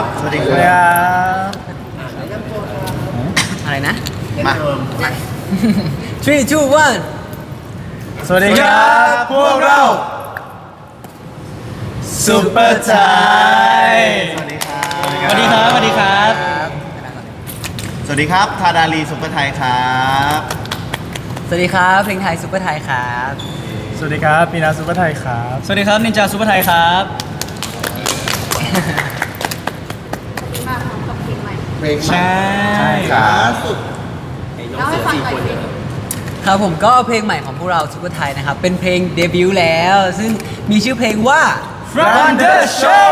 สวัสดีครับอะไรนะมา three two one สวัสดีครับ พวกเราซุปเปอร์ไทยสวัสดีครับสวัสดีครับ สวัสดีครับสวัสดีครับทาดาลีซุปเปอร์ไทยครับสวัสดีครับเพลงไทยซุปเปอร์ไทยครับสวัสดีครับปีนาซุปเปอร์ไทยครับสวัสดีครับ นินจาซูเปอร์ไทยครับมาพร้อมกับเพลงใหม่ใช่ครับเล่าให้ฟังหน่อยสิครับผมก็เพลงใหม่ของพวกเราซุปเปอร์ไทยนะครับ เป็นเพลงเดบิวต์แล้ว ซึ่งมีชื่อเพลงว่า Run the Show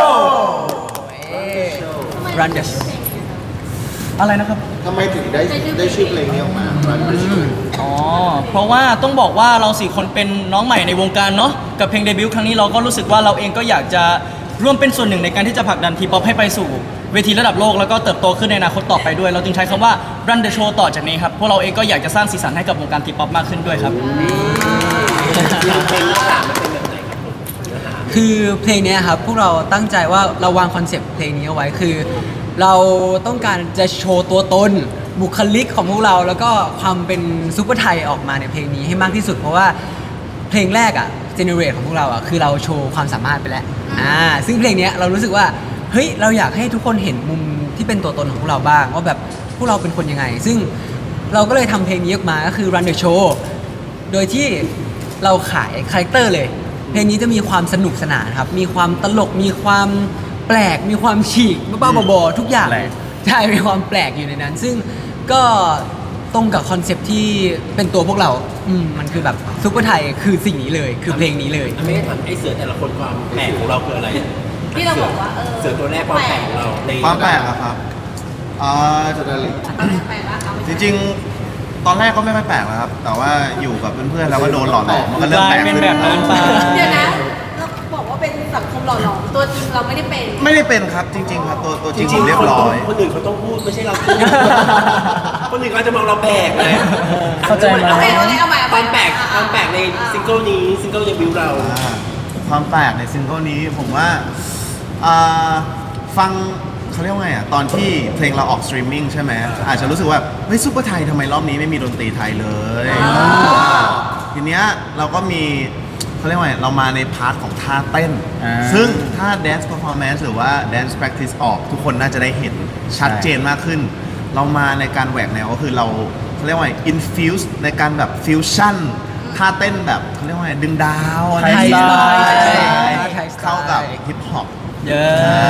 Run the Show อะไรนะครับทำไมถึงได้ชื่อเพลงนี้ออกมา Run the Show อ๋อ เพราะว่าต้องบอกว่าเราสี่คนเป็นน้องใหม่ในวงการเนาะ กับเพลงเดบิวต์ครั้งนี้เราก็รู้สึกว่าเราเองก็อยากจะร่วมเป็นส่วนหนึ่งในการที่จะผลักดันทีป๊อปให้ไปสู่เวทีระดับโลกแล้วก็เติบโตขึ้นในอนาคตต่อไปด้วย เราจึงใช้คำว่า Run the Show ต่อจากนี้ครับ พวกเราเองก็อยากจะสร้างสีสันให้กับวงการทีป๊อปมากขึ้นด้วยครับคือเพลงเนี้ยครับพวกเราตั้งใจว่าเราวางคอนเซปต์เพลงนี้เอาไว้คือ เราต้องการจะโชว์ตัวตนบุคลิกของพวกเราแล้วก็ความเป็นซุปเปอร์ไทยออกมาในเพลงนี้ให้มากที่สุด เพราะว่าเพลงแรกอะเจเนเรตของพวกเราอะคือเราโชว์ความสามารถไปแล้วซึ่งเพลงเนี้ยเรารู้สึกว่าเฮ้ยเราอยากให้ทุกคนเห็นมุมที่เป็นตัวตนของพวกเราบ้างว่าแบบพวกเราเป็นคนยังไง ซึ่งเราก็เลยทำเพลงนี้ออกมาก็คือ Run the Show โดยที่เราขายคาแรคเตอร์เลย เพลงนี้จะมีความสนุกสนานครับ มีความตลก มีความแปลก มีความฉีกบ้าๆบอๆทุกอย่างแปลกใช่ มีความแปลกอยู่ในนั้น ซึ่งก็ตรงกับคอนเซปต์ที่เป็นตัวพวกเรา มันคือแบบซุปเปอร์ไทยคือสิ่งนี้เลย คือเพลงนี้เลยไม่ได้ถามไอ้เสือแต่ละคนความแปลกของเราคืออะไรที่เราบอกว่าเสือตัวแรกความแปลกของเราในความแปลกอะครับอ่าทาดาลีแปลกแล้วเอาไปจริงๆ ตอนแรกก็ไม่ค่อยแปลกนะครับ แต่ว่าอยู่กับเพื่อนๆแล้วก็โดนหล่อหลอมมันก็เริ่มแปลกกลายเป็นขึ้นแบบนั้นไปเดี๋ยวนะเราบอกว่าเป็นสังคมหล่อหลอมตัวจริงเราไม่ได้เป็นไม่ได้เป็นครับจริง ๆ ครับตัวจจริงริผงมๆเรียบร้อยคนอื่นเขาต้องพูดไม่ใช่เราพูด คนอื่นเขาจะมองเราแปลกเลยเข้าใจไหมโอเคเอาใหม่ความแปลกในซิงเกิลนี้ซิงเกิลเดบิวต์เราความแปลกในซิงเกิลนี้ผมว่าฟังเขาเรียกว่าไงอ่ะตอนที่เพลงเราออกสตรีมมิ่งใช่ไหมอาจจะรู้สึกว่าเฮ้ยซุปเปอร์ไทยทำไมรอบนี้ไม่มีดนตรีไทยเลยทีเนี้ยเราก็มีเขาเรียกว่าไงเรามาในพาร์ทของท่าเต้น ซึ่งถ้า dance performance หรือว่า dance practice ออกทุกคนน่าจะได้เห็นชัดเจนมากขึ้น เรามาในการแหวกแนวก็คือเราเขาเรียกว่าไง infuse ในการแบบ fusion ท่าเต้นแบบเขาเรียกว่าไงดึงดาวอะไรไทยสไตล์ใช่เข้ากับฮิปฮอปเยอะ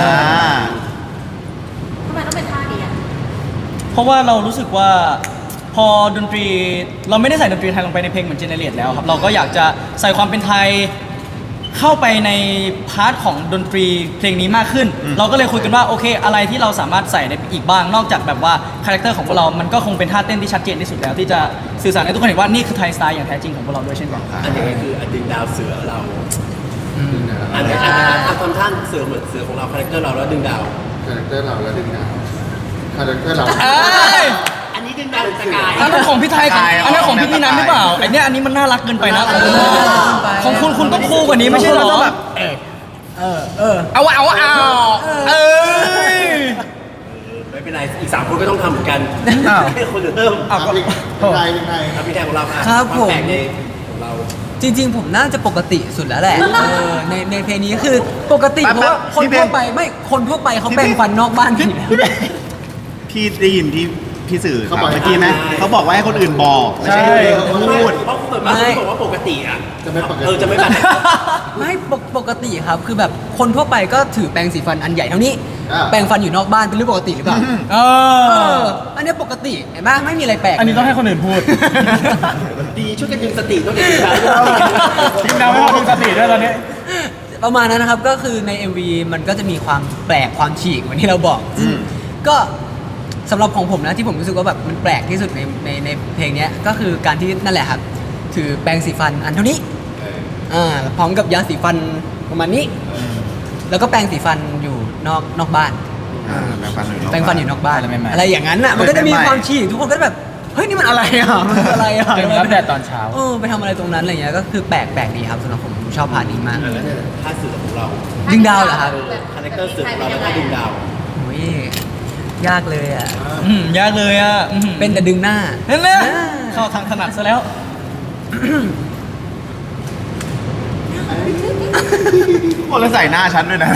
ทำไมต้องเป็นท่านี้อ่ะเพราะว่าเรารู้สึกว่าพอดนตรีเราไม่ได้ใส่ดนตรีไทยลงไปในเพลงเหมือนเจเนเรตแล้วครับเราก็อยากจะใส่ความเป็นไทยเข้าไปในพาร์ทของดนตรีเพลงนี้มากขึ้น เราก็เลยคุยกันว่าโอเคอะไรที่เราสามารถใส่ได้อีกบ้างนอกจากแบบว่าคาแรคเตอร์ของพวกเรา มันก็คงเป็นท่าเต้นที่ชัดเจนที่สุดแล้วที่จะสื่อสารให้ทุกคนเห็นว่านี่คือไทยสไตล์อย่างแท้จริงของพวกเราด้วยเช่นกันอันนี้คืออันดึงดาวเสือเราอันนี้ทำท่านเสือเหมือนเสือของเราคาแรคเตอร์เราแล้วดึงดาวคาแรคเตอร์เราแล้วดึงดาวคาแรคเตอร์เราอันนี้ดึงดาวหรือสกายอันนั้นของพี่ไทยอันนั้นของพี่นันหรือเปล่าไอเนี้ยอันนี้มันน่ารักเกินไปนะของคุณต้องคู่กว่านี้ไม่ใช่เหรอเอาเอ้ยไม่เป็นไรอีก3คนก็ต้องทำเหมือนกันอ้าวให้คนอื่นเริ่มเพลงไทยครับพี่แทนของเราค่ะครับวาผมแปลกในของเราจริงๆ ผมน่าจะปกติสุดแล้วแหละในเพลงนี้คือปกติเพราะว่าคนทั่วไปไม่คนทั่วไปเขาแปรงฟันนอกบ้านกันอยู่แล้วพี่ได้ยินที่พี่สื่อข่าวเมื่อกี้ไหมเขาบอกว่าให้คนอื่นบอกไม่ใช่ให้คนอื่นพูดเพราะคุณมาคุณบอกว่าปกติอ่ะจะไม่ปกติจะไม่แบบไม่ปกติครับคือแบบคนทั่วไปก็ถือแปรงสีฟันอันใหญ่เท่านี้อ่าแปรงฟันอยู่นอกบ้านเป็นเรื่องปกติหรือเปล่าเอออันนี้ปกติเห็นไหมไม่มีอะไรแปลกอันนี้ต้องให้คนอื่นพูดดีช่วยกันดึงสติต้องดึงสติทีมดาวไม่พอดึงสติด้วยตอนนี้ประมาณนั้นนะครับก็คือใน MV มันก็จะมีความแปลกความฉีกเหมือนที่เราบอกซึ่งก็สำหรับของผมนะที่ผมรู้สึกว่าแบบมันแปลกที่สุดในเพลงเนี้ยก็คือการที่นั่นแหละครับถือแปรงสีฟันอันเท่านี้พร้อมกับยาสีฟันประมาณนี้ แล้วก็แปรงสีฟันอยู่นอกบ้าน แปรงฟันอยู่นอกบ้าน อะไรอย่างนั้นอ่ะมันก็จะมีความฉีกทุกคนก็แบบเฮ้ยนี่มันอะไรอ่ะมันคืออะไรอ่ะเดี๋ยวมารับแดดตอนเช้าไปทำอะไรตรงนั้นอะไรเงี้ยก็คือแปลกดีครับสำหรับผมชอบพาร์ทนี้มากท่าเสือของเราดึงดาวเหรอครับคาแรคเตอร์เสือของเราแล้วก็ดึงดาวโอ้ยยากเลยอ่ะยากเลยอ่ะอื้อหือเป็นแต่ดึงหน้านั่นแหละเข้าทางถนัดซะแล้วโอ้แล้วใส่หน้าฉันด้วยนะ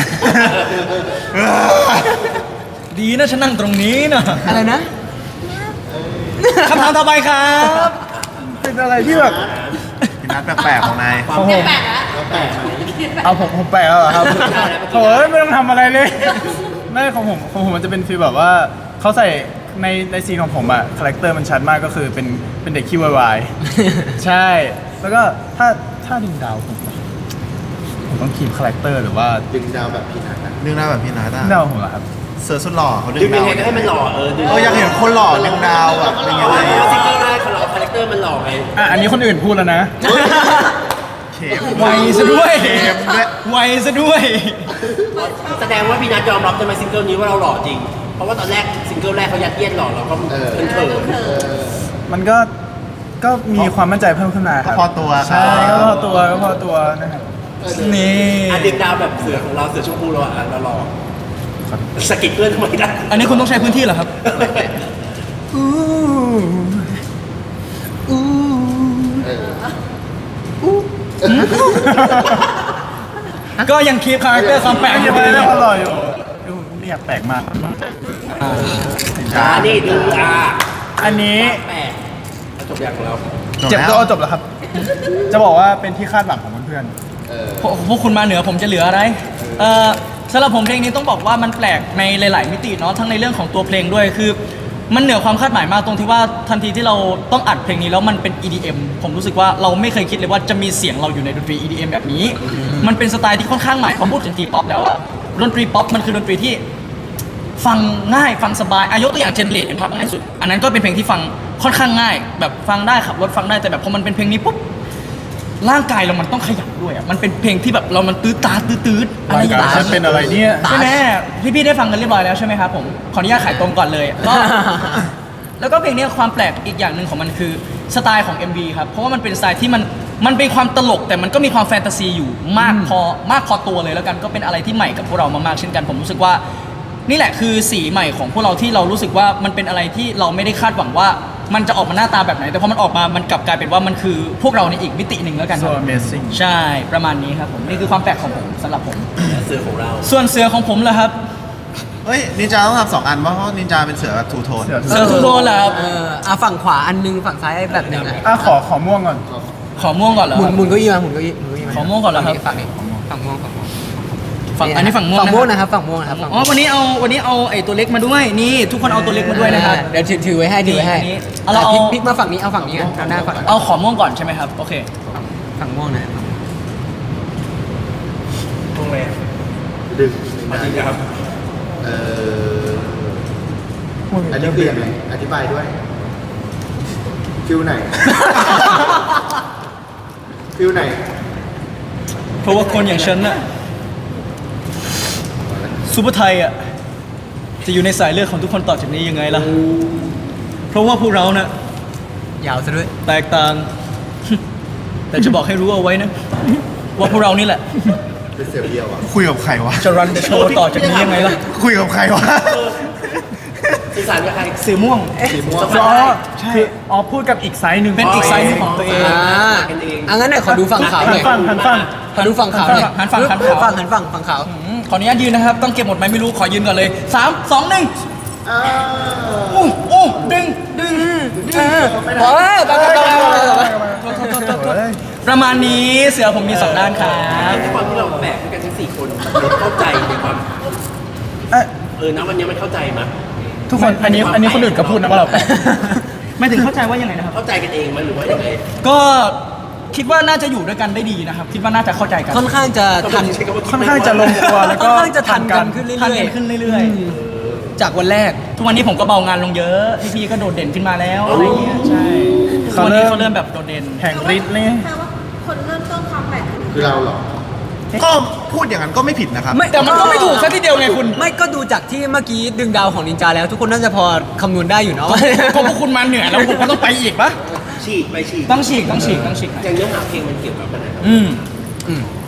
ดีนะฉันนั่งตรงนี้นะอะไรนะคำถามต่อไปครับเป็นอะไรที่แบบพี่นัทแปลกๆของนายของผมแปลกแล้วแล้วแปลกไหมเอาผมแปลกแล้วเหรอครับโอ้ยไม่ต้องทำอะไรเลยไม่ของผมมันจะเป็นฟีลแบบว่าเขาใส่ในซีนของผมอะคาแรคเตอร์มันชัดมากก็คือเป็นเด็กขี้วายๆใช่ แล้วก็ถ้าดึงดาวผมต้องคีบคาแรคเตอร์หรือว่าดึงดาวแบบพี่นัทนะดึงหน้าแบบพี่นัทดึอะงดาวของผมเหรอครับเสือสุดหล่อเขาดึดึงงยัดาง วไงก็ให้มันหล่อดึงอยากเห็นคนหล่อดึงดาวอะเป็นยังไงเพราะอะว่าซิงเกิลแรกของเราคาแรคเตอร์มันหล่อไงอ่ะอันนี้คนอื่นพูดแล้วนะเข็มไวซะด้วยเข็มด้วยไวซะด้วยแสดงว่าพี่นัทยอมรับใช่ไหมซิงเกิลนี้ว่าเราหล่อจริง เพราะว่าตอนแรกซิงเกิลแรกเขายัดเยียดหล่อเราก็เขินมันก็มีความมั่นใจเพิ่มขึ้นมาครับก็พอตัวใช่ครับก็พอตัวนะครับนี่ดึงดาวแบบเสือของเราเสือชมพูเราเราหล่อสกิดเพื่อนทำไมได้อันนี้คุณต้องใช้พื้นที่เหรอครับ ก็ยังคีปคาแรคเตอร์ความแปลกอยู่ไม่ดีได้นะอร่อยอยู่ไม่อยากแปลกมากนี่ดูอันนี้แปลกจบอย่างของเราเจ็บตัวจบแล้วครับ จะบอกว่าเป็นที่คาดหวังของเพื่อนพวกคุณมาเหนือผมจะเหลืออะไรสำหรับผมเพลงนี้ต้องบอกว่ามันแปลกในหลาย ๆ มิติเนาะทั้งในเรื่องของตัวเพลงด้วยคือ มันเหนือความคาดหมายมากตรงที่ว่าทันทีที่เราต้องอัดเพลงนี้แล้วมันเป็น EDM ผมรู้สึกว่าเราไม่เคยคิดเลยว่าจะมีเสียงเราอยู่ในดนตรี EDM แบบนี้ มันเป็นสไตล์ที่ค่อนข้างใหม่พอพูดถึงดนตรีป๊อปแล้วอะดนตรีป๊อปมันคือดนตรีที่ฟังง่ายฟังสบายยกตัวอย่างเจนเลดเป็นภาพง่ายสุดอันนั้นก็เป็นเพลงที่ฟังค่อนข้างง่าย แบบฟังได้ขับรถฟังได้แต่แบบพอมันเป็นเพลงนี้ปุ๊บร่างกายเรามันต้องขยับด้วยอะมันเป็นเพลงที่แบบเรามันตื้อตาตื้อๆอะไรอย่างร่างกายฉันเป็นอะไรเนี่ยใช่ไหมพี่ๆได้ฟังกันเรียบร้อยแล้วใช่ไหมครับผมขออนุญาตขายตรงก่อนเลยก็ แล้วก็เพลงนี้ความแปลกอีกอย่างหนึ่งของมันคือสไตล์ของ MV ครับ เพราะว่ามันเป็นสไตล์ที่มันเป็นความตลกแต่มันก็มีความแฟนตาซีอยู่มากพอตัวเลยแล้วกันก็เป็นอะไรที่ใหม่กับพวกเรามากๆเช่นกันผมรู้สึกว่านี่แหละคือสีใหม่ของพวกเราที่เรารู้สึกว่ามันเป็นอะไรที่เราไม่ได้คาดหวังว่ามันจะออกมาหน้าตาแบบไหน แต่พอมันออกมามันกลับกลายเป็นว่ามันคือพวกเราในอีกมิติหนึ่งแล้วกันค so รับ amazing ใช่ประมาณนี้ครับผมนี่คือความแปลกของผมสำหรับผมเสือของเราส่วนเสือของผมล่ะครับเฮ้ยนินจาต้องทำ2 อันเพราะนินจาเป็นเสือแบบทูโทนเสือเสือทูโทนเหรอครับฝั่งขวาอันนึงฝั่งซ้ายแบบหนึงอ่ะขอม่วงก่อนขอม่วงก่อนเหรอหมุคน รับหมุนเก้าอี้มาหมุนเก้าอี้มาขอม่วงก่อนเหรอครับฝั่งนี้ฝั่งม่วงฝั่งม่วงฝั่งอันนี้ฝั่งม่วงฝั่งม่วงนะนะครับฝั่งม่วงนะครับฝั่งอ๋อวันนี้เอาไอ้ตัวเล็กมาด้วยนี่ทุกคนเอาตัวเล็กมาด้วยนะครับเดี๋ยวถือไว้ให้ถือไว้ให้นี่อันนี้เอาพลิกมาฝั่งนี้เอาฝั่งนี้อ่ะเอาหน้าฝั่งเอาขอม่วงก่อนใช่ไหมครับโอเคฝั่งม่วงนะตรงเลยดึงมาจริงครับเอออันนี้คือยังไงอธิบายด้วย ฟิลไหน ฟิลไหนเพราะว่าคนอย่างฉันน่ะซูเปอร์ไทยอ่ะจะอยู่ในสายเลือดของทุกคนต่อจากนี้ยังไงล่ะเพราะว่าพวกเราน่ะยาวซะด้วยแตกต่าง แต่จะบอกให้รู้เอาไว้นะว่าพวกเรานี่แหละเป็นเสือเดียวอ่ะคุยกับใครวะจะรันเดอะโชว์ต่อจากนี้ยังไงล่ะคุยกับใครวะสื่อสารกับใครสีม่วงสีม่วงอ๋อใช่อ๋อพูดกับอีกไซส์หนึ่งเป็นอีกไซส์หนึ่งของตัวเองอังั้นเนี่ยขอดูฝั่งขาวหน่อยหันฟังขอดูฝั่งขาวหน่อยหันฝั่งหันฝั่งฝั่งขาวขออนุญาตยืนนะครับ ต้องเก็บหมดไหมไม่รู้ขอยืนก่อนเลย3 2 1อู้ดึงโอ้ยไปประมาณนี้เสือผมมี2 ด้านครับด้วยความที่เราแบกด้วยกันทั้ง4 คนเข้าใจในความ นะวันนี้มันเข้าใจมั้ยทุกคนอันนี้คนอื่นก็พูดนะว่าเราแปลกไม่ถึงเข้าใจว่ายังไงนะครับเข้าใจกันเองมั้ยหรือว่ายังไงก็คิดว่าน่าจะอยู่ด้วยกันได้ดีนะครับ คิดว่าน่าจะเข้าใจกันค่อนข้างจะทันค่อนข้างจะลงตัวแล้วก็ค่อนข้างจะทันกันขึ้นเรื่ทันอยกันขึ้นเรื่อยๆจากวันแรกๆ ทุกวันนี้ผมก็เบางานลงเยอะพี่ๆก็โดดเด่นขึ้นมาแล้วอะไรเงี้ยใช่ทุกวันนี้เขาเริ่มแบบโดดเด่นแห่งฤทธิ์เลยแปลว่าคนเริ่มต้นความแปลกคือเราเหรอก็พูดอย่างนั้นก็ไม่ผิดนะครับแต่มันก็ไม่ถูกซะทีเดียวไงคุณไม่ก็ดูจากที่เมื่อกี้ดึงดาวของนินจาแล้ว ทุกคนน่าจะพอคำนวณได้อยู่เนาะก็พวกคุณมาเหนื่อยแล้วผมก็ต้องไปอีกปะฉีกไปฉีกต้องฉีกอย่างเนื้อหาเพลงมันเกี่ยวกับอะไรครับอืม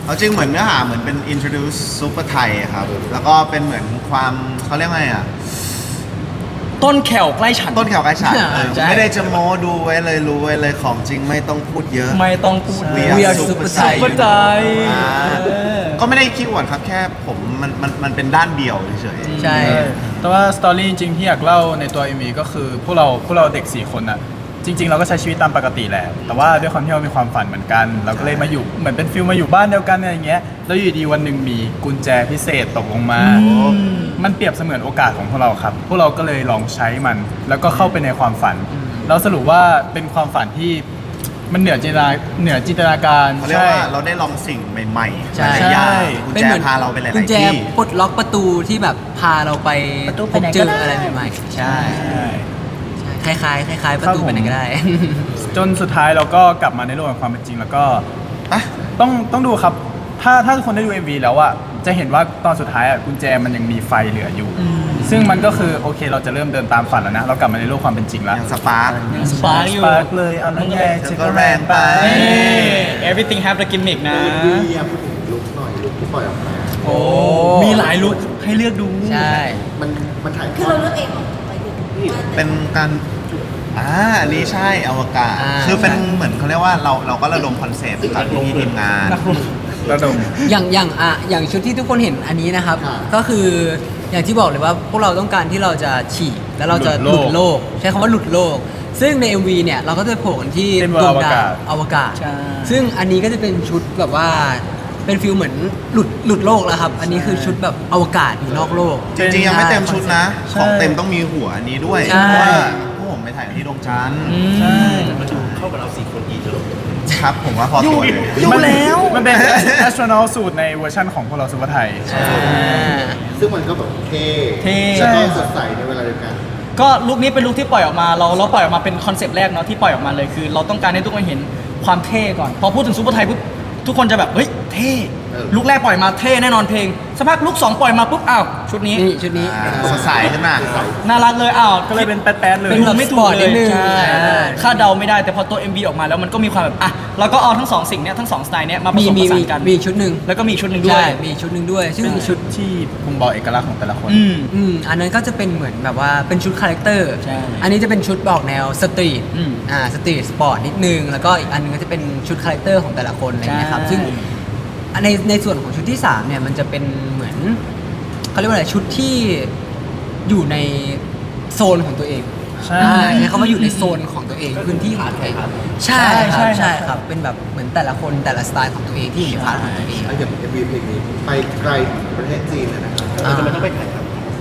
เอาจริงเหมือนเนื้อหาเหมือนเป็น introduce ซูเปอร์ไทยครับ แล้วก็เป็นเหมือนความเขาเรียกไงอ่ะต้นแขวใกล้ฉันต้นแขวกระฉาดใช่ไม่ได้จะโม้ดูไว้เลยรู้ไว้เลยของจริงไม่ต้องพูดเยอะไม่ต้องพูด We We are are super super Thai ซุปเปอร์ไทยอ่าก็ไม่ได้คิดหวนครับแค่ผมมันเป็นด้านเดียวเฉยๆใช่แต่ว่าสตอรี่จริงๆที่อยากเล่าในตัว MV ก็คือพวกเราเด็ก 4 คนอะจริง ๆ เราก็ใช้ชีวิตตามปกติแหละ แต่ว่าด้วยความที่เรามีความฝันเหมือนกัน เราก็เลยมาอยู่เหมือนเป็นฟิลมาอยู่บ้านเดียวกันอะไรอย่างเงี้ยแล้วอยู่ดีวันหนึ่งมีกุญแจพิเศษตกลงมา มันเปรียบเสมือนโอกาสของพวกเราครับ พวกเราก็เลยลองใช้มัน แล้วก็เข้าไปในความฝันแล้วสรุปว่าเป็นความฝันที่มันเหนือจินตนาการเขาเรียกว่าเราได้ลองสิ่งใหม่ๆใช่หลายๆอย่างกุญแจพาเราไปหลายกุญๆแจที่ปลดล็อกประตูที่แบบพาเราไปประตูพไปบไหนเจก็อได้อะไรใหม่ๆ ใช่ คล้ายๆคล้ายๆประตูครับผมไปไหนก็ได้จนสุดท้ายเราก็กลับมาในโลกแห่งความเป็นจริงแล้วก็อ่ะต้องดูครับ ถ้าทุกคนได้ดู MV แล้วอะจะเห็นว่าตอนสุดท้ายอะกุญแจมันยังมีไฟเหลืออยู่ ซึ่งมันก็คือโอเคเราจะเริ่มเดินตามฝันแล้วนะ เรากลับมาในโลกความเป็นจริงแล้วอย่างสปาร์คสปาร์กอยู่สปาร์คเลยเอาน้ำแดงเธอก็แรงไปเอ้ย everything have the gimmick นะเรียพูดถึงลุคหน่อยลุคที่ปล่อยออกมาโอ้มีหลายลุคให้เลือกดูใช่มันถ่ายทคืออเราดเลือกเองเหรอไปถึงว่าเป็นการอันนี้ใช่อวกาศอ่าคือเป็นเหมือนเขาเรียกว่าเราก็ระดมคอนเซปต์จากพี่ทีมงานระดมอย่างชุดที่ทุกคนเห็นอันนี้นะครับ ก็คืออย่างที่บอกเลยว่าพวกเราต้องการที่เราจะฉีกแล้วเราจะหหลุลุดดโลโลกกใช้คำว่าหลุดโลก ซึ่งใน MV เนี่ยเราก็จะโผล่กันที่เป็นดวงอวดากาศวอวกาศใช่ซึ่งอันนี้ก็จะเป็นชุดแบบว่าเป็นฟิลเหมือนหลุดโลกแล้วครับ อันนี้คือชุดแบบอวกาศอยู่นอกโลกจริงๆยังไม่เต็มชุดนะใช่ของเต็มต้องมีหัวอันนี้ด้วยใช่เพราะว่าพวกผมไปถ่ายที่ดวงจันทร์ใช่มันดูเข้ากับเรา4 คนอีกเลยครับผมว่าพอตัวเลยมันเป็น astronaut สูตรในเวอร์ชั่นของพวกเราซูเปอร์ไทยซึ่งมันก็แบบเท่เท่แล้วก็สดใสในเวลาเดียวกันก็ลุคนี้เป็นลุคที่ปล่อยออกมาเราปล่อยออกมาเป็นคอนเซปต์แรกเนาะที่ปล่อยออกมาเลยคือ เราต้องการให้ทุกคนเห็นความเท่ก่อน พอพูดถึงซูเปอร์ไทยปุ๊บทุกคนจะแบบเฮ้ยเท่เออลุคแรกปล่อยมาเท่แน่นอนเพลงสักพักลุค2ปล่อยมาปุ๊บอ้าวชุดนี้นี่ชุดนี้สดใสขึ้นมาน่ารักเลยอ้าวก็เลยเป็นแป๊ดๆเลยเป็นแบบไม่ถูกสปอร์ตเลนิยดนึงใช่อ่าคาดเดาไม่ได้แต่พอตัว MV ออกมาแล้วมันก็มีความแบบอ่ะเราก็เอาทั้งสองสิ่งเนี้ยทั้งสองสไตล์เนี้ยมาผสมผสานกันมีชุดหนึ่งแล้วก็มีอีกชุดหนึ่งด้วใช่ยมีชุดหนึ่งด้วย ซึ่งเป็นชุดที่บ่งบอกเอกลักษณ์ของแต่ละคนอันนั้นก็จะเป็นเหมือนแบบว่าเป็นชุดคาแรคเตอร์ใช่อันนี้จะเป็นชุดบอกแนวสตรีท สตรีทสปอร์ตนิดนึง แล้วก็อีกอันนึงก็จะเป็นชุดคาแรคเตอร์ของแต่ละคนอะไรเงี้ยครับใช่ซึ่งในส่วนของชุดที่ 3 เนี่ยมันจะเป็นเหมือนเขาเรียกว่าอะไรชุดที่อยู่ในโซนของตัวเองใช่ใช้คำว่าอยู่ในโซนของตัวเองพื้นที่ของตัวเองใช่ครับใช่ครับเป็นแบบเหมือนแต่ละคนแต่ละสไตล์ของตัวเองที่อยู่ในพาร์ทของตัวเองแล้วอย่าง MV เพลงนี้ไปไกลถึงประเทศจีนเลยนะครับเราจะไม่ต้องไปถ่ายท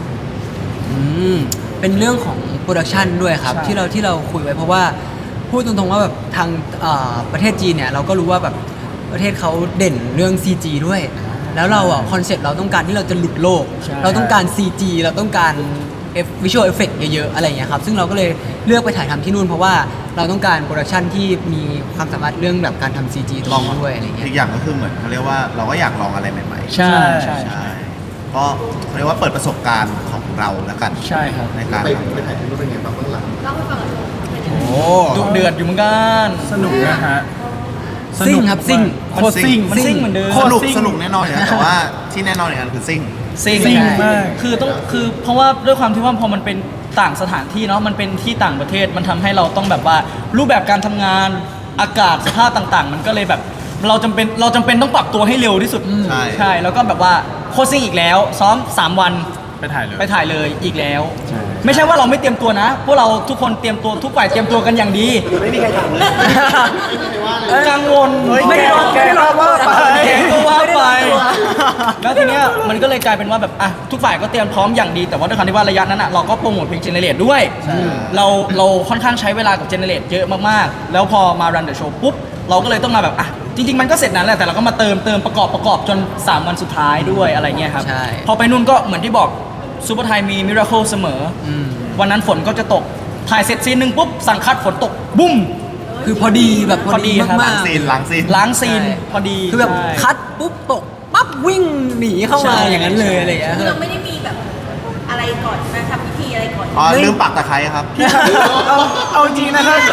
เป็นเรื่องของโปรดักชันด้วยครับใช่ที่เราคุยไว้เพราะว่าพูดตรงๆว่าแบบทางประเทศจีนเนี่ยเราก็รู้ว่าแบบประเทศเขาเด่นเรื่อง CG ด้วย แล้วเราอ่ะคอนเซ็ปต์เราต้องการที่เราจะหลุดโลกใช่เราต้องการ CG เราต้องการvisual effect เยอะๆอะไรอย่างเงี้ยครับซึ่งเราก็เลยเลือกไปถ่ายทำที่นู่นเพราะว่าเราต้องการโปรดักชันที่มีความสามารถเรื่องแบบการทำ CG ตรงนี้ด้วยอะไรเงี้ยอีกอย่างก็คือเหมือนเขาเรียกว่าเราก็อยากลองอะไรใหม่ๆใช่ใช่ใช่ก็เรียกว่าเปิดประสบการณ์ของเราแล้วกันใช่ครับในการไปถ่ายที่นู่นเป็นไงบ้างเบื้องหลังเล่าให้ฟังหน่อยโอ้ดุเดือดอยู่เหมือนกันสนุกนะฮะซิ่งครับซิ่งโคตรซิ่งมันซิ่งเหมือนเดิมสนุกแน่นอนอยู่แล้วแต่ว่าที่แน่นอนอย่างนั้นคือซิ่งซิ่งซิ่งใช่มากคือเพราะว่าด้วยความที่ว่าพอมันเป็นต่างสถานที่เนาะมันเป็นที่ต่างประเทศมันทำให้เราต้องแบบว่ารูปแบบการทำงานอากาศสภาพต่างๆ มันก็เลยแบบเราจำเป็นต้องปรับตัวให้เร็วที่สุดใช่ใช่แล้วก็แบบว่าโคชซิ่งอีกแล้ว ซ้อม 3 วันไปถ่ายเลยไปถ่ายเลยอีกแล้ว ไม่ใช่ว่าเราไม่เตรียมตัวนะ พวกเราทุกคนเตรียมตัวทุกฝ่ายเตรียมตัวกันอย่างดีำไม่มีใครถามเลยกังวลไม่ได้ร้องไม่ได้ร้องว่าไปแกก็ว่าไป แล้วทีเนี้ยมันก็เลยกลายเป็นว่าแบบอ่ะทุกฝ่ายก็เตรียมพร้อมอย่างดี แต่ว่าด้วยความที่ว่าระยะนั้นอ่ะเราก็โปรโมทเพลงเจเนเรตด้วย เราค่อนข้างใช้เวลากับเจเนเรตเยอะมากๆ แล้วพอมา Run the Show ปุ๊บ เราก็เลยต้องมาแบบอ่ะจริง ๆ มันก็เสร็จนั้นแหละแต่เราก็มาเติมประกอบจน 3 วันสุดท้ายด้วยอะไรเงี้ยครับใช่พอไปนู่นก็เหมือนที่บอกซูเปอร์ไทยมีมิราเคิลเสมออวันนั้นฝนก็จะตกถ่ายเสร็จซีนหนึ่งปุ๊บสั่งคัดฝนตกบุ้มคือพอดีแบบพอดีพอดีครับมากๆซีนล้างซีนล้างซีนพอดีคือแบบใช่คัดปุ๊บตกปั๊บวิ่งหนีเข้ามาใช่อย่างนั้นเลยอะไรอย่างเงี้ยคือเราไม่ได้มีแบบอะไรก่อนนะทำพิธีอะไรก่อนอ๋อลืมปักตะไคร้ครับเอาจริงนะครับ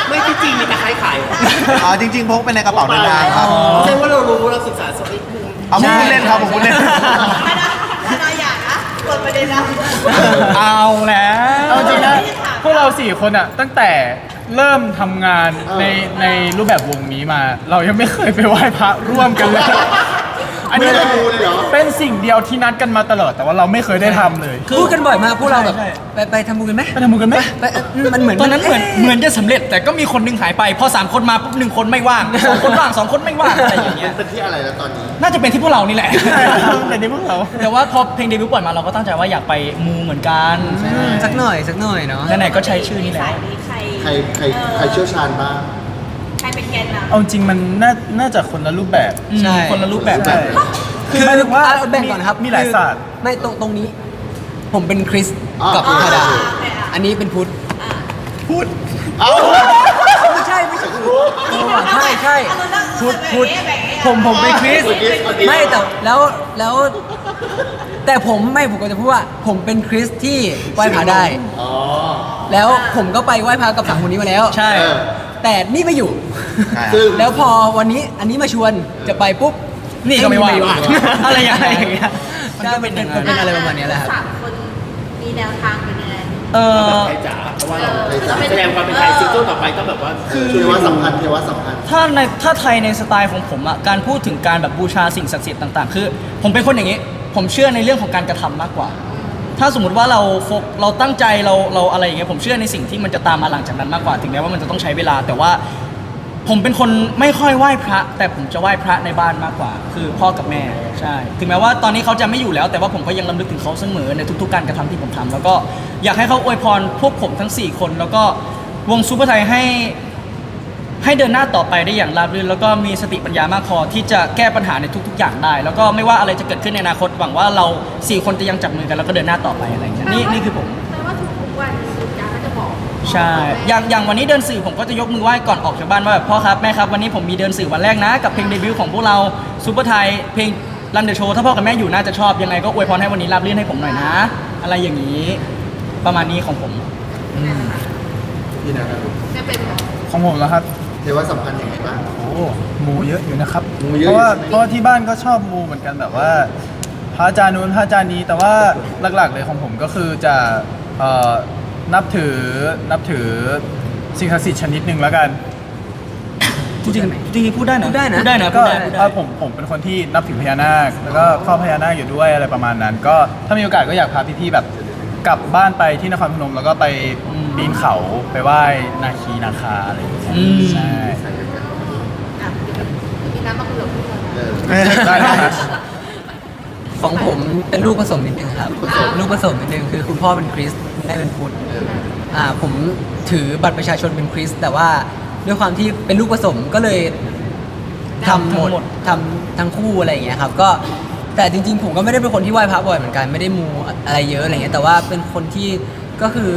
ไม่ที่จริงมีตะไคร้ขายเหรออ๋อจริงๆพกไปในกระเป๋าเดินทางครับแสดงว่าเรารู้เราศึกษาสักนิดนึงเอาผมพูดเล่นครับผมพูดเล่นไม่ได้ไม่ได้อย่านะเปิดประเด็นนะเอาแล้วเอาจริงนะพวกเรา4คนอะตั้งแต่เริ่มทำงานในรูปแบบวงนี้มา เรายังไม่เคยไปไหว้พระร่วมกันเลย อันนี้ไม่ได้ดูเลยเหรอเป็นสิ่งเดียวที่นัดกันมาตลอด แต่ว่าเราไม่เคยได้ทำเลยพูดกันบ่อยมากพวกเราแบบใช่ไปทำบุญกันไหมไปทำบุญกันไหมไปมันเหมือนตอนนั้นเหมือนจะสำเร็จแต่ก็มีคนหนึงหายไป พอ3คนมาปุ๊บ1คนไม่ว่าง2คนว่าง2คนไม่ว่างอะไรอย่างเงี้ยเป็นที่อะไรแล้วตอนนี้น่าจะเป็นที่พวกเรานี่แหละใช่ครับแต่นี่พวกเราแต่ว่าพอเพลงเดบิวต์ปล่อยมาเราก็ตั้งใจว่าอยากไปมูเหมือนกันสักหน่อยเนาะไหนๆก็ใช้ชื่อนี้แล้สายว นี้ใครใครเชี่ยวชาญบ้างใครเป็นแกนนำเอาจริงมันน่าจะคนละรูปแบบใช่คนละรูปแบบใช่คือหมายถึงว่าแบ่งก่อนนะครับมีหลายศาสตร์ไม่ตรงนี้ ผมเป็นคริสอ่ากับธดาโอเคอ่ะอันนี้เป็นพุทธพูดเอ้าไม่ใช่ใช่พุทธผมเป็นคริสคนนี้คนนี้ไม่แต่แต่ผมก็จะพูดว่าผมเป็นคริสที่ไหว้พระได้อ๋อแล้วผมก็ไปไหว้พระกับ3คนนี้มาแล้วใช่เออแต่นี่ไม่อยู่ซึ่งแล้วพอวันนี้อันนี้มาชวนจะไปปุ๊บนี่ก็ไม่ว่างว่างอะไรอย่างเงี้ยใช่เป็นอะไรประมาณนี้แหละครับสามคนมีแนวทางเป็นยังไงเออไทยจ๋าเพราะว่าเราไทยจ๋าแสดงความเป็นไทยซิงเกิลต่อไปต้องแบบว่าเทวะสัมพันธ์เทวะสัมพันธ์ถ้าไทยในสไตล์ของผมอะการพูดถึงการแบบบูชาสิ่งศักดิ์สิทธิ์ต่างๆ คือ ผมเป็นคนอย่างนี้ ผมเชื่อในเรื่องของการกระทำมากกว่า ถ้าสมมติว่าเราตั้งใจเราอะไรอย่างเงี้ยผมเชื่อในสิ่งที่มันจะตามมาหลังจากนั้นมากกว่า ถึงแม้ว่ามันจะต้องใช้เวลา แต่ว่าผมเป็นคนไม่ค่อยไหว้พระ แต่ผมจะไหว้พระในบ้านมากกว่า คือพ่อกับแม่ใช่ ถึงแม้ว่าตอนนี้เขาจะไม่อยู่แล้ว แต่ว่าผมก็ยังรำลึกถึงเขาเสมอในทุกๆการกระทำที่ผมทำแล้วก็อยากให้เขาอวยพรพวกผมทั้ง4คนแล้วก็วงซูเปอร์ไทยให้เดินหน้าต่อไปได้อย่างราบรื่นแล้วก็มีสติปัญญามากพอที่จะแก้ปัญหาในทุกๆอย่างได้ แล้วก็ไม่ว่าอะไรจะเกิดขึ้นในอนาคตหวังว่าเรา4คนจะยังจับมือกันแล้วก็เดินหน้าต่อไปอะไรอย่างเงี้ยนี่คือผมแปลว่าทุกๆวันสุดยาก็จะบอกใช่ อย่างวันนี้เดินสื่อผมก็จะยกมือไหว้ก่อนออกจากบ้านว่าแบบพ่อครับแม่ครับวันนี้ผมมีเดินสื่อวันแรกนะ กับเพลงเดบิวต์ของพวกเราซูเปอร์ไทยเพลงรันเดอะโชว์ถ้าพ่อกับแม่อยู่น่าจะชอบยังไงก็อวยพรให้วันนี้ราบรื่นให้ผมหน่อยนะ อะไรอย่างนี้ ประมาณนี้ของผมพี่นะครับไม่เป็นแบบของผมแล้วครับเทวะสัมพันธ์ยังไงบ้างโอ้มูเยอะอยู่นะครับมูเยอะเพราะว่าอยู่ใช่ไหมเพราะว่าที่บ้านก็ชอบมูเหมือนกันแบบว่าพระอาจารย์นู้นพระอาจารย์นี้แต่ว่าหลักๆเลยของผมก็คือจะนับถือสิ่งศักดิ์สิทธิ์ชนิดหนึ่งแล้วกันจริงๆพูดได้นะพูดได้นะพูดได้นะก็พูดได้พูดได้ผมเป็นคนที่นับถือพญานาคแล้วก็เฝ้าพญานาคอยู่ด้วยอะไรประมาณนั้น ก็ถ้ามีโอกาสก็อยากพาพี่ๆแบบกลับบ้านไปที่นครพนมแล้วก็ไปปีนเขาไปไหว้นาคีนาคาอะไรอย่างเงี้ยอืมใช่อ่ะมีน้ำมาคุยกับพี่เราเออได้ครับของผมเป็นลูกผสมนิดนึงครับลูกผสมนิดนึงคือคุณพ่อเป็นคริสต์คุณแม่เป็นพุทธผมถือบัตรประชาชนเป็นคริสต์แต่ว่าด้วยความที่เป็นลูกผสมก็เลยทำหมดทำทั้งคู่อะไรอย่างเงี้ยครับก็แต่จริงๆผมก็ไม่ได้เป็นคนที่ไหว้พระบ่อยเหมือนกันไม่ได้มูอะไรเยอะอะไรเงี้ยแต่ว่าเป็นคนที่ก็คือ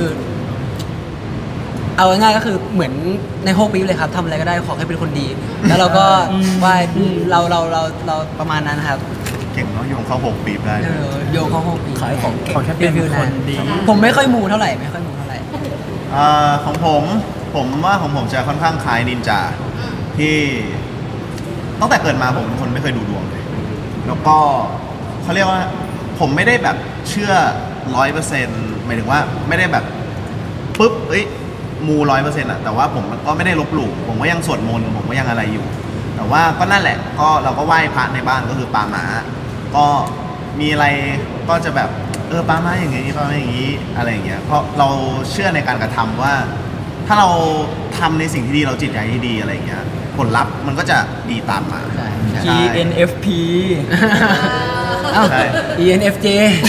เอาง่ายๆก็คือเหมือนในโฮปี๊บเลยครับทำอะไรก็ได้ขอให้เป็นคนดี แล้วเราก็ไหว้เราประมาณนั้นครับเก่งเนาะโยงเข้า6 ปีบได้โยงเข้าโฮปี๊บขายของเก่งขอแค่เป็นคนดีผมไม่ค่อยมูเท่าไหร่ไม่ค่อยมูเท่าไหร่ของผมว่าของผมจะค่อนข้างคล้ายนินจาที่ตั้งแต่เกิดมาผมเป็นคนไม่เคยดูดวงเลย แล้วก็เขาเรียกว่าผมไม่ได้แบบเชื่อ100%หมายถึงว่าไม่ได้แบบปุ๊บมู100%อะแต่ว่าผมก็ไม่ได้ลบหลู่ผมก็ยังสวดมนต์ผมก็ยังอะไรอยู่ แต่ว่าก็นั่นแหละก็เราก็ไหว้พระในบ้านก็คือปาหมาก็มีอะไรก็จะแบบปาหมาอย่างงี้ปาหมาอย่างงี้อะไรอย่างเงี้ยเพราะเราเชื่อในการกระทำว่า ถ้าเราทำในสิ่งที่ดีเราจิตใจที่ดีอะไรอย่างเงี้ยผลลัพธ์มันก็จะดีตามมาใช่ ENFP เอ้าใช่ ENFJ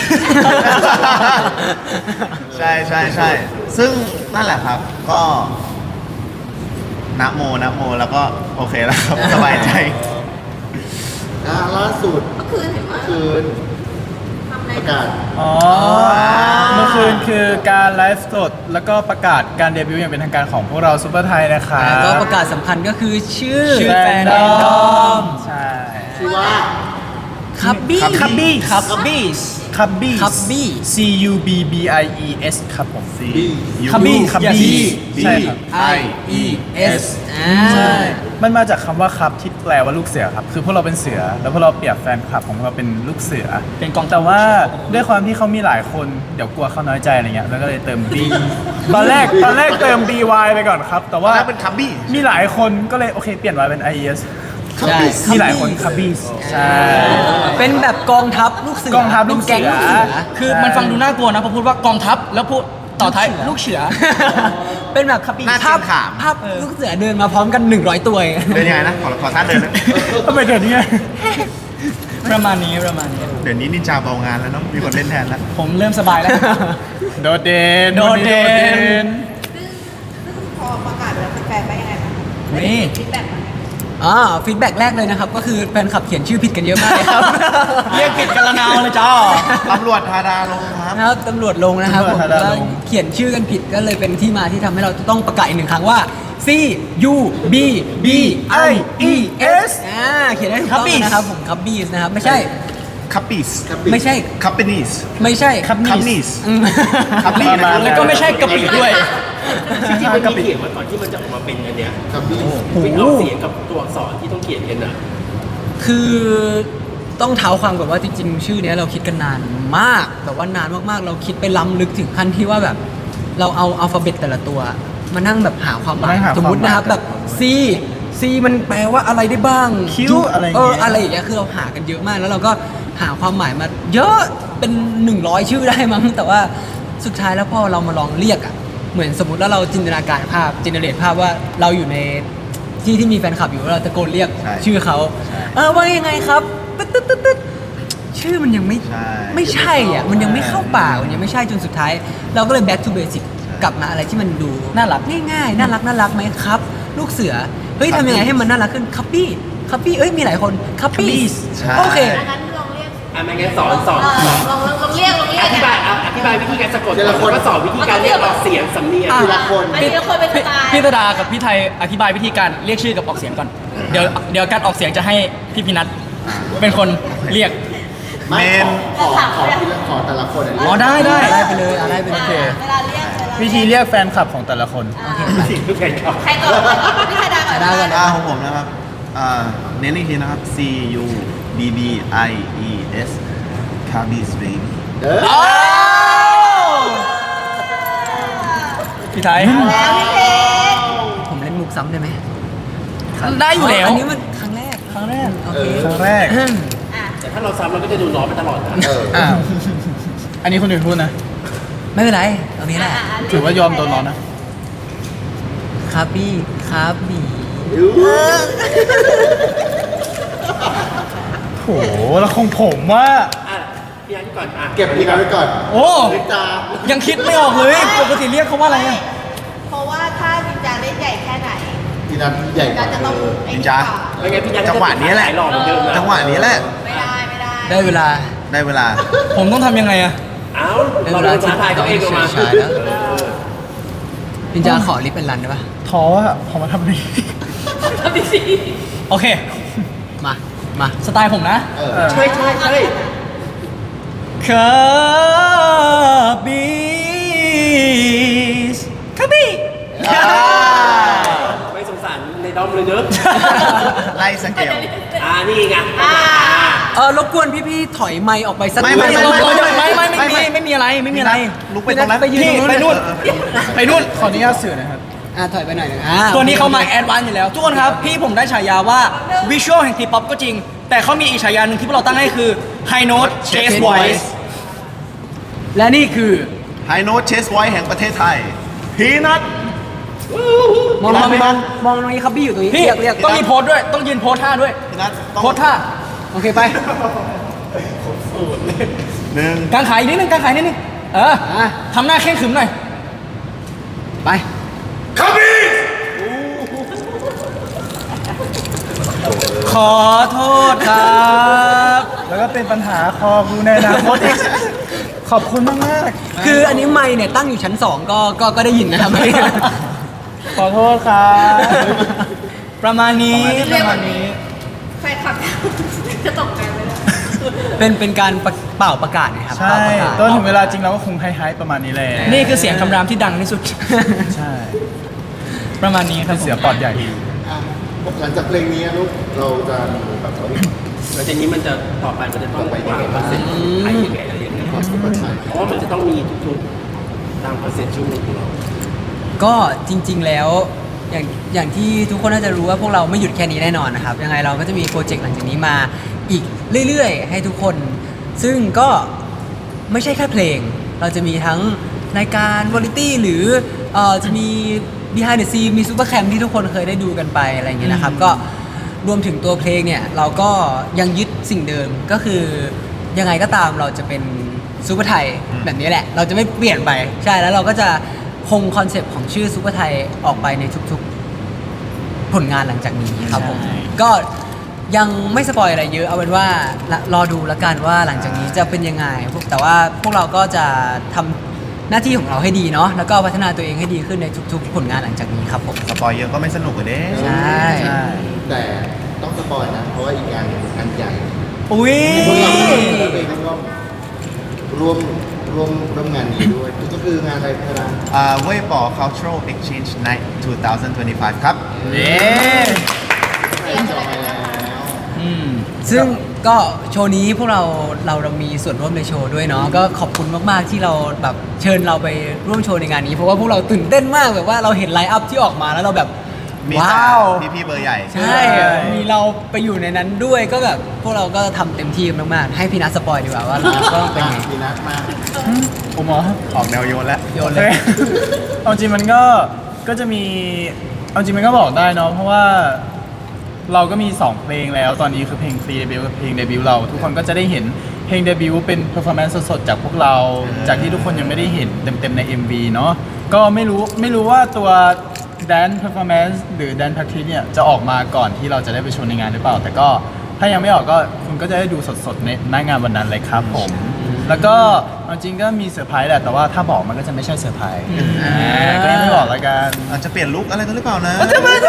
ใช่ใช่ใช่ซึ่งนั่นแหละครับก็นะโมแล้วก็โอเคแล้วครับ สบายใจล่าสุดเมื่อคืนเห็นว่าคืนทำอะไรประกาศอ๋อเมื่อคืนคือการไลฟ์สดแล้วก็ประกาศการเดบิวต์อย่างเป็นทางการของพวกเราซูเปอร์ไทยนะครับแล้วก็ประกาศสำคัญก็คือชื่อชื่อแฟนดอมใช่ชื่อว่าคับบี้คับบี้ครับบี้คับบี้คับบี้ C U B B I E S ครับผม C คับบี้คับอย่าบี้บี้ใช่ครับ I E S มันมาจากคำว่าครับที่แปลว่าลูกเสือครับ คือพวกเราเป็นเสือ แล้วพวกเราเปรียบแฟนคลับของพวกเราเป็นลูกเสือเป็นกองทัพแต่ว่าด้วยความที่เขามีหลายคนเดี๋ยวกลัวเขาน้อยใจอะไรเงี้ยแล้วก็เลยเติม B ตอนแรกเติม B Y ไปก่อนครับ แต่ว่าแล้วเป็นคับบี้มีหลายคนก็เลยโอเคเปลี่ยน Y เป็น I E S ใช่มีหลายคนคับบี้ใช่เป็นแบบกองทัพลูกเสือกองทัพลูกเสือเป็นแก๊งลูกเสือคือมันฟังดูน่ากลัวนะพอพูดว่ากองทัพแล้วพูดต่อท้ายลูกเสือเป็นแบบหน้าภาพเกรงขามภาพลูกเสือเดินมาพร้อมกัน100 ตัวเองเดินยังไงนะ ขอท่าเดินนะทำไมเดี๋ยวนี้ประมาณนี้ประมาณนี้เดี๋ยวนี้นินจาเบางานแล้วเนาะ มีคนเล่นแทนแล้วผมเริ่มสบายแล้วโดดเด่นโดดเด่นซึ่งพอประกาศแล้วแฟนๆไปยังไงบ้างนี่ฟีดแบ็กมาฟีดแบ็กแรกเลยนะครับ ก็คือแฟนคลับเขียนชื่อผิดกันเยอะมากเลยครับเรียกผิดกันละนาวเลยจ้าตำรวจธาดาลงครับนะครับตำรวจลงนะครับผมแล้วเขียนชื่อกันผิดก็เลยเป็นที่มาที่ทำให้เราต้องประกาศอีกหนึ่งครั้งว่า C U B B I E S เขียนได้ถูกต้องนะครับผมคับบี้นะครับไม่ใช่คับปิสไม่ใช่คับเปนิสไม่ใช่คับนิสอืมคับบี้นะแล้วก็ไม่ใช่กะปิด้วยจริงๆมันมีเขียนมาก่อนที่มันจะออกมาเป็นอันเนี้ยคับบี้เป็นออกเสียงกับตัวอักษรที่ต้องเขียนกันอ่ะคือต้องเท้าความก่อนว่าจริงๆ ชื่อเนี้ยเราคิดกันนานมากแบบว่านานมากๆ เราคิดไปล้ำลึกถึงขั้นที่ว่าแบบ เราเอาอัลฟาเบตแต่ละตัว มานั่งแบบหาความหมายสมมตินะครับแบบ C มันแปลว่าอะไรได้บ้างคิ้วอะไรอย่างเงี้ยอะไรอย่างเงี้ยคือเราหากันเยอะมากแล้วเราก็หาความหมายมาเยอะเป็น100 ชื่อได้มั้งแต่ว่าสุดท้ายแล้วพอเรามาลองเรียกอ่ะเหมือนสมมติว่าเราจินตนาการภาพจินเนเรตภาพว่าเราอยู่ในที่มีแฟนคลับอยู่แล้วเราตะโกนเรียกใช่ชื่อเขาว่ายังไงครับตึ๊ดชื่อมันยังไม่ใช่ไม่ใช่อ่ะมันยังไม่เข้าปากมันยังไม่ใช่จนสุดท้าย เราก็เลย back to basic กลับมาอะไรที่มันดูน่ารักง่ายๆน่ารักไหมครับ ลูกเสือเฮ้ยทำยังไงให้มันน่ารักขึ้นคัพปี้เอ้ยมีหลายคนคัพปี้ใช่โอเคงั้นลองเรียกไม่งั้นสอนลองเรียกอธิบายวิธีการสะกดแล้วก็สอนวิธีการเรียกออกเสียงสำเนียงทีละคนอันนี้เราคนเป็นสไตล์พี่ตดากับพี่ไทยอธิบายวิธีการเรียกชื่อกับออกเสียงก่อน เดี๋ยวการออกเสียงจะให้พี่พินัทเป็นคนเรียกเมนขอแต่ละคนอันนี้อ๋อได้อะไรไปเลยอะไรไปเลยเวลาเรียกวิธีเรียกแฟนคลับของแต่ละคนใครก่อนพี่ชายดาก่อนได้ก่อนของผมนะครับเน้นอีกทีนะครับ C U B B I E S คาบิสเบบี้พี่ไทยแล้วพี่เพชรผมเล่นมุกซ้ำได้ไหมได้อยู่แล้วอันนี้มันครั้งแรก โอเคครั้งแรกแต่ถ้าเราซ้ำเราก็จะดูน้อยไปตลอดนะอ้าว อันนี้คนอื่นพูดนะไม่เป็นไรตรงนี้แหละถือว่ายอมโดนร้อนนะครับบี้โหแล้วของผมว่าพี่อันก่อนอ่ะเก็บพีนัทไว้ก่อนโอ้ลิจายังคิดไม่ออกเลย ปกติเรียกเขาว่าอะไรอะเพราะว่าถ้าจินจาเล่นใหญ่แค่ไหนพีนัทใหญ่กก็ว่าจะต้องไอ้นินนี่จาก่อนไม่งั้นพี่ยันจังหวะนี้แหละหล่อเหมือนเดิมนะจังหวะนี้แหละไม่ได้ได้เวลาได้เวลาผมต้องทำยังไงอะเอ้าเราโดนท้าทายเขาเองออกมาใช่แล้วพินจาขอลิปเป็นรันได้ปะท้ออะพอมาทำนี้โอเคมาสไตล์ผมนะใช่คาบิสคาบิไม่สงสารในดอมเลยเนอะไล่สเกลนี่ไงรบกวนพี่ๆถอยไมค์ออกไปสักไม่นิดไม่มีอะไรไม่มีอะไรลุกไปตรงนั้นไปยืนนี่ตรงไปนู่น ไปนู่นขออนุญาตสื่อนะครับถอยไปหน่อยหนึงตัวนี้เขามาแอดวานซ์อยู่แล้ว ทุกคนครับ พี่ผมได้ฉายาว่าวิชวลแห่งทีป๊อปก็จริง แต่เขามีอีกฉายาหนึ่งที่พวกเราตั้งให้คือ High Note Chase Voice และนี่คือไฮโนตเชสไวแห่งประเทศไทย พีนัทมองตรงนี้ครับบี้อยู่ตรงนี้พี่เรียกต้องมีโพสด้วย ต้องยืนโพสท่าด้วยพีนัทต้องโพสท่าโอเคไปหนึ่งกางขายนิดนึงกางขายนิดนึงทำหน้าเข่งขรึมหน่อยไปขอโทษครับแล้วก็เป็นปัญหาคอกูในอนาคตอีกขอบคุณมากคืออันนี้ไมค์เนี่ยตั้งอยู่ชั้น 2 ก็ได้ยินนะครับๆ ขอโทษครับประมาณนี้เรียกแบบนี้แฟนคลับจะตกใจไหมเนี่ยเป็นการเป่าประกาศนะครับใช่เป่าประกาศตอนถึงเวลาจริงเราก็คงไฮๆประมาณนี้แหละนี่คือเสียงคำรามที่ดังที่สุดใช่ประมาณนี้คเป็รับนผมเสือปอดใหญ่อ่ะหลังจากเพลงนี้ลูกเราจะมีแบบว่าแล้วทีนี้มันจะต่อไปมันจะต้องวางคอนเซ็ปต์ไทยยังไงอะไรอย่างเงี้ยความสุขภาพเพราะว่ามันจะต้องมีทุกๆตามคอนเซ็ปต์ช่วงหนึงของเราก็จริง ๆ แล้วอย่างที่ทุกคนน่าจะรู้ว่าพวกเราไม่หยุดแค่นี้แน่นอนนะครับ ยังไงเราก็จะมีโปรเจกต์หลังจากนี้มาอีกเรื่อยๆ ให้ทุกคน ซึ่งก็ไม่ใช่แค่เพลง เราจะมีทั้งรายการวอลิตี้หรือจะมี behind the scene มีซูเปอร์แคมที่ทุกคนเคยได้ดูกันไปอะไรอย่างเงี้ยนะครับ ก็รวมถึงตัวเพลงเนี่ยเราก็ยังยึดสิ่งเดิมก็คือยังไงก็ตามเราจะเป็นซูเปอร์ไทยแบบนี้แหละ เราจะไม่เปลี่ยนไปใช่แล้วเราก็จะคงคอนเซปต์ของชื่อซูเปอร์ไทยออกไปในทุกๆผลงานหลังจากนี้ครับผมใช่ก็ยังไม่สปอยอะไรเยอะเอาเป็นว่ารอดูแล้วกันว่าหลังจากนี้จะเป็นยังไงแต่ว่าพวกเราก็จะทำหน้าที่ของเราให้ดีเนาะแล้วก็พัฒนาตัวเองให้ดีขึ้นในทุกๆ ผลงานหลังจากนี้ครับผมสปอยเยอะก็ไม่สนุกเลยเด้ใช่ใช่แต่ต้องสปอยนะเพราะว่าอีกงานอันใหญ่อุ้ยพวกเราไปร่วมงานนี้ด้วยก็คืองานอะไรครับเว่ยป๋อ Cultural Exchange Night 2025 ครับเย้จอยแล้วซึ่งก็โชว์นี้พวกเรามีส่วนร่วมในโชว์ด้วยเนาะก็ขอบคุณมากๆที่เราแบบเชิญเราไปร่วมโชว์ในงานนี้ เพราะว่าพวกเราตื่นเต้นมากแบบว่าเราเห็นไลน์อัพที่ออกมาแล้วเราแบบมีว้าวแต่พี่ๆเบอร์ใหญ่ใช่ มีเราไปอยู่ในนั้นด้วยก็แบบพวกเราก็ทำเต็มที่มากๆ ให้พี่นัทสปอยดีกว่าว่าเราก็เป็นไงมีนัดมาผมเหรอออกแนวโยนแล้วโยโอน เคเลยเอาจริงมันก็จะมีเอาจริงมันก็บอกได้เนาะเพราะว่าเราก็มี 2 เพลงแล้วตอนนี้คือเพลงฟรีเดบิวต์กับเพลงเดบิวต์เรา ทุกคนก็จะได้เห็นเพลงเดบิวต์เป็นเพอร์ฟอร์แมนซ์สดๆจากพวกเรา จากที่ทุกคนยังไม่ได้เห็นเต็มๆใน MV เนาะก็ไม่รู้ว่าตัวแดนเพอร์ฟอร์แมนซ์หรือแดนพักทีเนี่ยจะออกมาก่อนที่เราจะได้ไปโชว์ในงานหรือเปล่า แต่ก็ถ้ายังไม่ออกก็คุณก็จะได้ดูสดๆในหน้างานวันนั้นเลยครับผม แล้วก็เอาจริงก็มีเซอร์ไพรส์แหละแต่ว่าถ้าบอกมันก็จะไม่ใช่เซอร์ไพรส์ก็ยังไม่บอกแล้วกันอาจจะเปลี่ยนลุคอะไรกันหรือเปล่านะ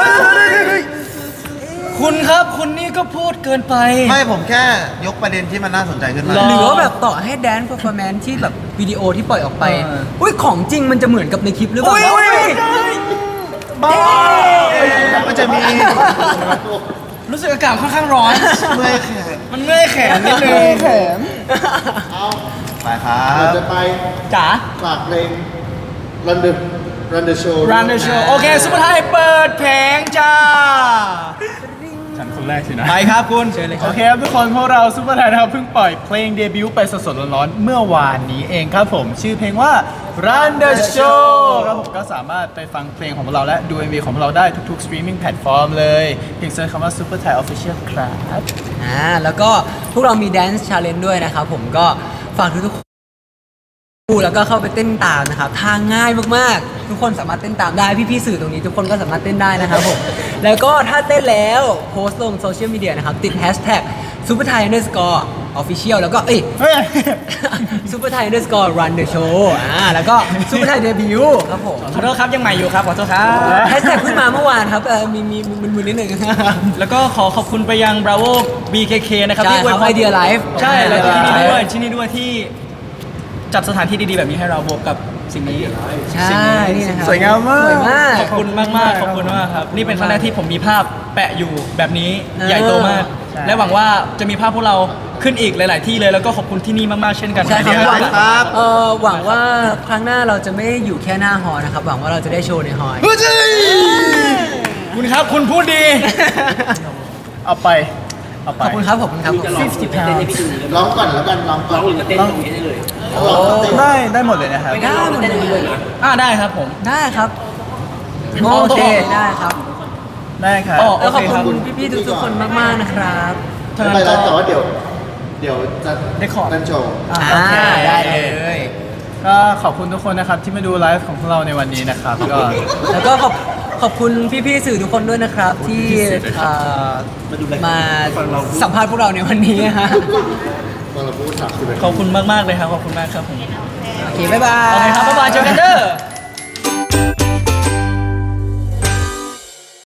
คุณครับคุณนี่ก็พูดเกินไปไม่ผมแค่ยกประเด็นที่มันน่าสนใจขึ้นมาหรหรือว่าแบบต่อให้แดน p e r ร์ฟอร์แมนที่แบบวิดีโอที่ปล่อยออกไป อุ้ยของจริงมันจะเหมือนกับในคลิปหรือเปล่าบ้ามันจะมีรู้สึกอากาศค่อนข้างร้อนเมื่อยแขนมันเมื่อยแขนนิดนึงเอาไปครัเราบจะไปจ๋าฝากเพลง Run the Show Run the show โอเคซุปเปอร์ไทยเปิดเพลงจ้าฉันคนแรกสินะไปครับคุณเชิญเลยคโอรับเคครับทุกคนพวกเราซูเปอร์ไทยนะครับเพิ่งปล่อยเพลงเดบิวต์ไปสดๆร้อนๆเมื่อวานนี้เองครับผม ชื่อเพลงว่า Run the Show ครับผมก็สามารถไปฟังเพลงของพวกเราและดู MV ของพวกเราได้ทุกๆ streaming platform เลยเพียงเซิร์ชคำว่า Super Thai Official ครับแล้วก็พวกเรามี Dance Challenge ด้วยนะครับผมก็ฝากทุกๆคนดูแล้วก็เข้าไปเต้นตามนะครับทางง่ายมากๆ ทุกคนสามารถเต้นตามได้พี่ๆสื่อตรงนี้ทุกคนก็สามารถเต้นได้นะครับผม แล้วก็ถ้าเต้นแล้วโพสต์ลงโซเชียลมีเดียนะครับติด hashtag superthai underscore official แล้วก็เฮ้ย superthai underscore run the show แล้วก็ superthai debut ครับผมขอโทษครับยังใหม่อยู่ครับขอโทษครับแฮชแท็กเพิ่งมาเมื่อวานครับมีมึนๆนิดนึงแล้วก็ขอบคุณไปยัง Bravo BKK นะครับใช่ที่ครับ Idea Life ใช่แล้วก็ที่นี่ Idea ด้วย Life ที่นี่ด้วยที่จัดสถานที่ดีๆแบบนี้ให้เราบวกกับสิ่งนี้ใช่นี่นะครับสวยงามมากสวยมากขอบคุณมากๆขอบคุณมากครับ นี่เป็นครั้งแรกที่ผมมีภาพแปะอยู่แบบนี้ใหญ่โตมากใช่และหวังว่าจะมีภาพพวกเราขึ้นอีกหลาย ๆ ที่เลยแล้วก็ขอบคุณที่นี่มากๆเช่นกันใช่ครับนะหวังครับหวังว่าครั้งหน้าเราจะไม่ได้อยู่แค่หน้าหอนะครับ หวังว่าเราจะได้โชว์ในหอคุณครับคุณพูดดีเอาไปขอบคุณครับขอบคุณครับจะลองฝึกเต้นให้พี่ดูเลยร้องก่อนแล้วกันร้องก่ร้ออน งหรือจะเต้นตรงนี้ได้เลยร้องเต้นได้หมดเลยนะครับไม่งั้นร้องแล้วเต้นตรงนี้เลยนะได้ครับผมได้ครับโอเคได้ครับได้ครับอ๋อแล้วขอบโอเคครับคุณพี่ๆทุกๆคนมากๆนะครับไม่เป็นไรแต่ว่าเดี๋ยวจะได้ขอนั่นโชว์โอเคได้เลยก็ขอบคุณทุกคนนะครับที่มาดูไลฟ์ของพวกเราในวันนี้นะครับก็แล้วก็ขอบคุณพี่ๆสื่อทุกคนด้วยนะครับ ที่มาสัมภาษณ์พวกเราในวันนี้ฮะตอนเราพูด30 ขอบคุณมากๆเลยครับขอบคุณมากครับผมโอเคบ๊ายบายโอเคครับบ๊ายบายเจอกันเด้อ